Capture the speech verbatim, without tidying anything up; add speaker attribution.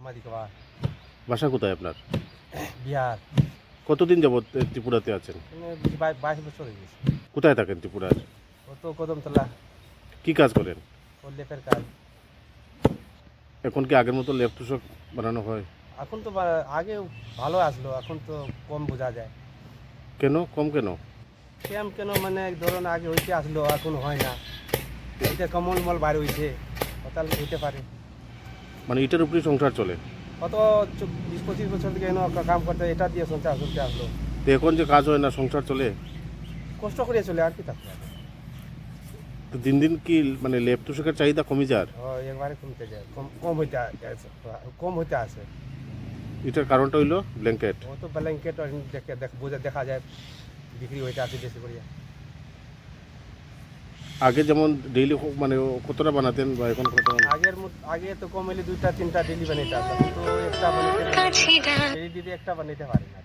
Speaker 1: মাদিকবা
Speaker 2: বাসা কোথায় আপনার?
Speaker 1: বিহার।
Speaker 2: কতদিন যাবত এ, ত্রিপুরাতে আছেন?
Speaker 1: এখানে বিশ বাইশ বাইশ বছর হয়ে গেছে।
Speaker 2: কোথায় থাকেন ত্রিপুরার?
Speaker 1: ও তো কদমতলা,
Speaker 2: কি কাজ করেন?
Speaker 1: ও লেপের কাজ।
Speaker 2: এখন কি আগের মতো লেপ তুষক বানানো হয়?
Speaker 1: এখন তো বা- আগে ভালো আসলো, এখন তো কম বোঝা যায়।
Speaker 2: কেন কম কেন?
Speaker 1: কেম কেন মানে ধরুন আগে হইতে আসলো, এখন হয় না। এটা কমল মল বার হইছে, হতাল হইতে পারে।
Speaker 2: মানে এটার উপরেই সংসার চলে?
Speaker 1: কত চ- বিশ পঁচিশ বছর থেকে এনে কাম করতে এটা দিয়ে সংসার চলতে আসলো।
Speaker 2: তো এখন যে কাজ হয় না, সংসার চলে?
Speaker 1: কষ্ট করে চলে আর কি থাকতে হবে।
Speaker 2: তো দিন দিন কি মানে লেপ তুষকের চাহিদা কমে যার?
Speaker 1: ও একবারে কমতে যায়, কম কম হইতে আ- আছে, কম হইতে আছে।
Speaker 2: এটার কারণটা হইলো ব্ল্যাঙ্কেট।
Speaker 1: ও তো ব্ল্যাঙ্কেট দেখে দেখ বোঝা দেখা যায় বিক্রি হইতে আছে বেশি করে।
Speaker 2: আগে যেমন ডেইলি মানে কতটা বানাতেন বা এখন কতটা?
Speaker 1: আগের মত- আগে তো কম হলে দুইটা তিনটা ডেলি বানাইতে আসতাম, কিন্তু একটা বানাইতে ডেলি দিদি একটা বানাইতে পারি না।